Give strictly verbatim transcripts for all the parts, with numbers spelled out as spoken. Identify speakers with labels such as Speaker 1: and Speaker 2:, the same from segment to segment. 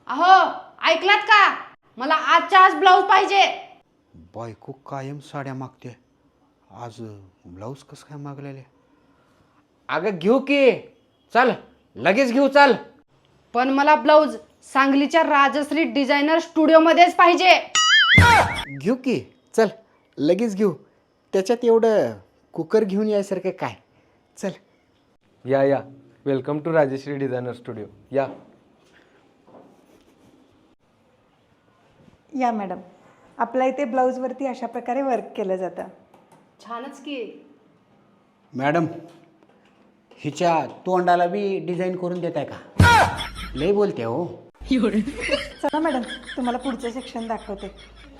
Speaker 1: अहो ऐकलात का? मला आजच्या आज ब्लाऊज पाहिजे.
Speaker 2: बायको कायम साड्या मागते, आज ब्लाऊज कसं काय मागलेले? अगं घेऊ की, चल लगेच घेऊ चल.
Speaker 1: पण मला ब्लाऊज सांगलीच्या राजश्री डिझायनर स्टुडिओमध्येच पाहिजे.
Speaker 2: घेऊ की, चल लगेच घेऊ. त्याच्यात एवढं कुकर घेऊन यायसारखं काय? चल.
Speaker 3: या या welcome to Rajshree designer studio. या
Speaker 4: या मॅडम, आपल्या इथे ब्लाऊजवरती अशा प्रकारे वर्क केलं जातं.
Speaker 1: छानच की.
Speaker 2: मॅडम, हिच्या तोंडाला बी डिझाईन करून देताय का? लय बोलते हो.
Speaker 4: चला मॅडम, तुम्हाला पुढचं सेक्शन दाखवते.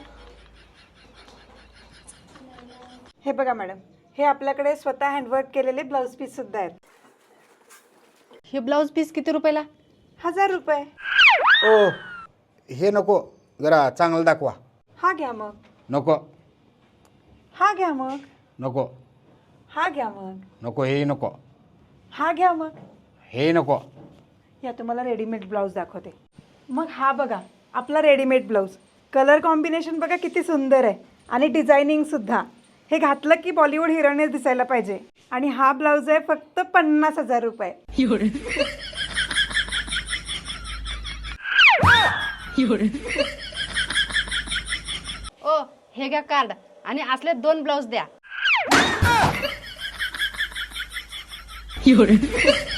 Speaker 4: हे बघा मॅडम, हे आपल्याकडे स्वतः हँडवर्क केलेले ब्लाऊज पीस सुद्धा आहेत.
Speaker 1: हे ब्लाऊज पीस किती रुपयाला?
Speaker 4: हजार रुपये.
Speaker 2: ओ हे नको, जरा चांगलं दाखवा.
Speaker 4: हा घ्या मग.
Speaker 2: नको
Speaker 4: हा घ्या मग.
Speaker 2: नको
Speaker 4: हा घ्या मग.
Speaker 2: नको हे नको,
Speaker 4: हा घ्या मग.
Speaker 2: हे नको.
Speaker 4: या तुम्हाला रेडीमेड ब्लाऊज दाखवते. मग हा बघा आपला रेडीमेड ब्लाऊज. कलर कॉम्बिनेशन बघा किती सुंदर आहे आणि डिझायनिंग सुद्धा. हे घातलं की बॉलिवूड हिरोईनच दिसायला पाहिजे. आणि हा ब्लाऊज आहे फक्त पन्नास हजार रुपये.
Speaker 1: ओ हे घ्या कार्ड आणि असले दोन ब्लाऊज द्या.